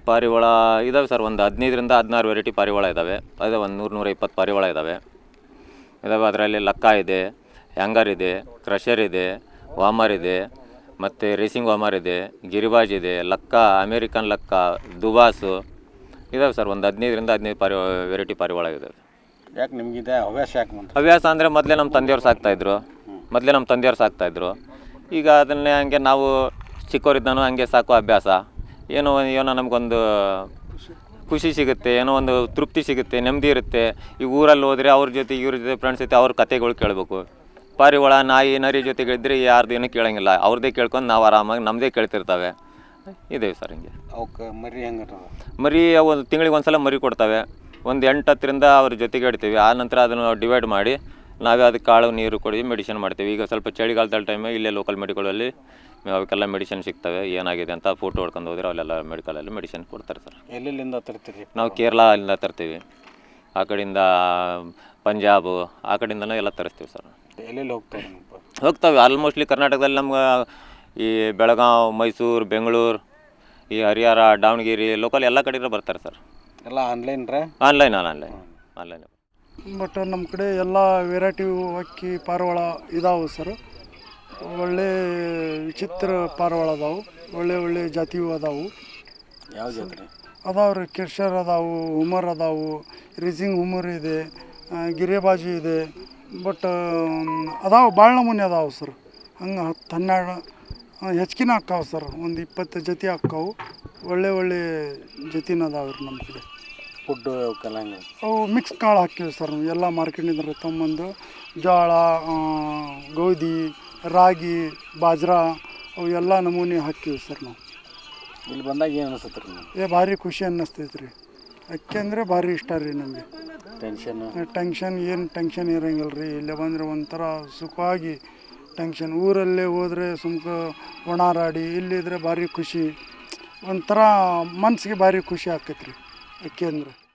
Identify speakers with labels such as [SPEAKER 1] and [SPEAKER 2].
[SPEAKER 1] ಪಾರಿವಾಳ ಇದ್ದಾವೆ ಸರ್, ಒಂದು 15ರಿಂದ 16 ವೆರೈಟಿ ಪಾರಿವಾಳ ಇದ್ದಾವೆ. ಅದೇ ಒಂದು 100-120 ಪಾರಿವಾಳ ಇದ್ದಾವೆ. ಅದರಲ್ಲಿ ಲಕ್ಕ ಇದೆ, ಹ್ಯಾಂಗರ್ ಇದೆ, ಕ್ರಷರ್ ಇದೆ, ವಾಮರ್ ಇದೆ, ಮತ್ತು ರೇಸಿಂಗ್ ವಾಮರ್ ಇದೆ, ಗಿರಿಬಾಜ್ ಇದೆ, ಲಕ್ಕ, ಅಮೇರಿಕನ್ ಲಕ್ಕ, ದುಬಾಸು ಇದ್ದಾವೆ ಸರ್. ಒಂದು 15ರಿಂದ 15 ವೆರೈಟಿ ಪಾರಿವಾಳ ಇದ್ದಾವೆ.
[SPEAKER 2] ಯಾಕೆ ನಿಮಗಿದೆ ಹವ್ಯಾಸ ಯಾಕೆ ಬಂತು?
[SPEAKER 1] ಹವ್ಯಾಸ ಅಂದರೆ ಮೊದಲೇ ನಮ್ಮ ತಂದೆಯವ್ರು ಸಾಕ್ತಾಯಿದ್ರು. ಈಗ ಅದನ್ನೇ ಹಂಗೆ ನಾವು ಚಿಕ್ಕವರಿದ್ದಾನು ಹಂಗೆ ಸಾಕೋ ಅಭ್ಯಾಸ. ಏನೋ ನಮಗೊಂದು ಖುಷಿ ಸಿಗುತ್ತೆ, ಏನೋ ಒಂದು ತೃಪ್ತಿ ಸಿಗುತ್ತೆ, ನೆಮ್ಮದಿ ಇರುತ್ತೆ. ಈ ಊರಲ್ಲಿ ಹೋದರೆ ಅವ್ರ ಜೊತೆ ಇವ್ರ ಜೊತೆ ಫ್ರೆಂಡ್ಸ್ ಜೊತೆ ಅವ್ರ ಕತೆಗಳು ಕೇಳಬೇಕು. ಪಾರಿವಾಳ, ನಾಯಿ, ನರಿ ಜೊತೆಗಳಿದ್ದರೆ ಯಾರ್ದು ಏನೂ ಕೇಳೋಂಗಿಲ್ಲ. ಅವ್ರದ್ದೇ ಕೇಳ್ಕೊಂಡು ನಾವು ಆರಾಮಾಗಿ ನಮ್ಮದೇ ಕೇಳ್ತಿರ್ತವೆ. ಇದೇವೆ ಸರ್ ಹಿಂಗೆ.
[SPEAKER 2] ಅವಕ್ಕೆ ಮರಿ ಹೆಂಗೆ?
[SPEAKER 1] ಮರಿ ಒಂದು ತಿಂಗಳಿಗೆ ಒಂದು ಸಲ ಮರಿ ಕೊಡ್ತವೆ. ಒಂದು 8-10ರಿಂದ ಅವ್ರ ಜೊತೆಗೆ ಇಡ್ತೀವಿ. ಆ ನಂತರ ಅದನ್ನು ಡಿವೈಡ್ ಮಾಡಿ ನಾವೇ ಅದಕ್ಕೆ ಕಾಳು ನೀರು ಕೊಡಿ ಮೆಡಿಸಿನ್ ಮಾಡ್ತೀವಿ. ಈಗ ಸ್ವಲ್ಪ ಚಳಿಗಾಲದಲ್ಲಿ ಟೈಮು ಇಲ್ಲೇ ಲೋಕಲ್ ಮೆಡಿಕಲಲ್ಲಿ ಅವಕ್ಕೆಲ್ಲ ಮೆಡಿಸಿನ್ ಸಿಗ್ತವೆ. ಏನಾಗಿದೆ ಅಂತ ಫೋಟೋ ಹೊಡ್ಕೊಂಡು ಹೋದರೆ ಅಲ್ಲೆಲ್ಲ ಮೆಡಿಕಲಲ್ಲಿ ಮೆಡಿಸಿನ್ ಕೊಡ್ತಾರೆ ಸರ್.
[SPEAKER 2] ಎಲ್ಲೆಲ್ಲಿಂದ ತರ್ತೀರಿ?
[SPEAKER 1] ನಾವು ಕೇರಳದಿಂದ ತರ್ತೀವಿ, ಆ ಕಡೆಯಿಂದ ಪಂಜಾಬು, ಆ ಕಡೆಯಿಂದನೂ ಎಲ್ಲ ತರಿಸ್ತೀವಿ ಸರ್.
[SPEAKER 2] ಎಲ್ಲೆಲ್ಲಿ
[SPEAKER 1] ಹೋಗ್ತವೆ ಆಲ್ಮೋಸ್ಟ್ಲಿ ಕರ್ನಾಟಕದಲ್ಲಿ ನಮ್ಗೆ ಈ ಬೆಳಗಾವಿ, ಮೈಸೂರು, ಬೆಂಗಳೂರು, ಈ ಹರಿಹರ, ದಾವಣಗೆರೆ ಲೋಕಲ್ ಎಲ್ಲ ಕಡೆಯಿಂದ ಬರ್ತಾರೆ ಸರ್.
[SPEAKER 2] ಎಲ್ಲ ಆನ್ಲೈನ್
[SPEAKER 3] ಬಟ್ ನಮ್ಮ ಕಡೆ ಎಲ್ಲ ವೆರೈಟಿ ಅಕ್ಕಿ ಪಾರಿವಾಳ ಇದಾವೆ ಸರ್. ಒಳ್ಳೆ ವಿಚಿತ್ರ ಪಾರಿವಾಳ ಅದಾವೆ, ಒಳ್ಳೆ ಜಾತಿಯೂ ಅದಾವೆ.
[SPEAKER 2] ಯಾವ ಜಾತ್ರೆ
[SPEAKER 3] ಅದಾವೆ ರೀ? ಕ್ರಷರ್ ಅದಾವೆ, ಹುಮರ್ ಅದಾವೆ, ರೇಸಿಂಗ್ ಹುಮರ್ ಇದೆ, ಗಿರಿಬಾಜಿ ಇದೆ. ಬಟ್ ಅದಾವೆ ಭಾಳ ನಮೂನೆ ಅದಾವೆ ಸರ್. ಹಂಗೆ 10-12 ಹೆಚ್ಚಿನ ಹಾಕ್ಕಾವೆ ಸರ್. ಒಂದು 20 ಜೊತೆ ಹಾಕ್ಕಾವು. ಒಳ್ಳೆ ಜೊತೆನ ಅದಾವೆ ರೀ ನಮ್ಮ ಕಡೆ.
[SPEAKER 2] ಫುಡ್ಡು ಅವಕ್ಕೆಲ್ಲ ಹೆಂಗೆ?
[SPEAKER 3] ಅವು ಮಿಕ್ಸ್ ಕಾಳು ಹಾಕ್ತೀವಿ ಸರ್. ಎಲ್ಲ ಮಾರ್ಕೆಟಿಂದ ತೊಗೊಂಬಂದು ಜೋಳ, ಗೋಧಿ, ರಾಗಿ, ಬಾಜ್ರಾ ಅವು ಎಲ್ಲ ನಮೂನೆ ಹಾಕ್ತೀವಿ ಸರ್ ನಾವು.
[SPEAKER 2] ಇಲ್ಲಿ ಬಂದಾಗ ಏನು ಅನಿಸುತ್ತೆ ರೀ?
[SPEAKER 3] ಭಾರಿ ಖುಷಿ ಅನ್ನಿಸ್ತೈತೆ ರೀ. ಅಕ್ಕಿ ಅಂದರೆ ಭಾರಿ ಇಷ್ಟ ರೀ ನಮಗೆ. ಟೆನ್ಷನ್ ಇರೋಂಗಿಲ್ಲ ರೀ. ಇಲ್ಲೇ ಬಂದರೆ ಒಂಥರ ಸುಖವಾಗಿ ಟೆನ್ಷನ್. ಊರಲ್ಲೇ ಹೋದರೆ ಒಣಾರಾಡಿ, ಇಲ್ಲಿದ್ರೆ ಭಾರಿ ಖುಷಿ, ಒಂಥರ ಮನಸ್ಸಿಗೆ ಭಾರಿ ಖುಷಿ ಆಕೈತೆ ರೀ ಅಕ್ಕಿ ಅಂದರೆ.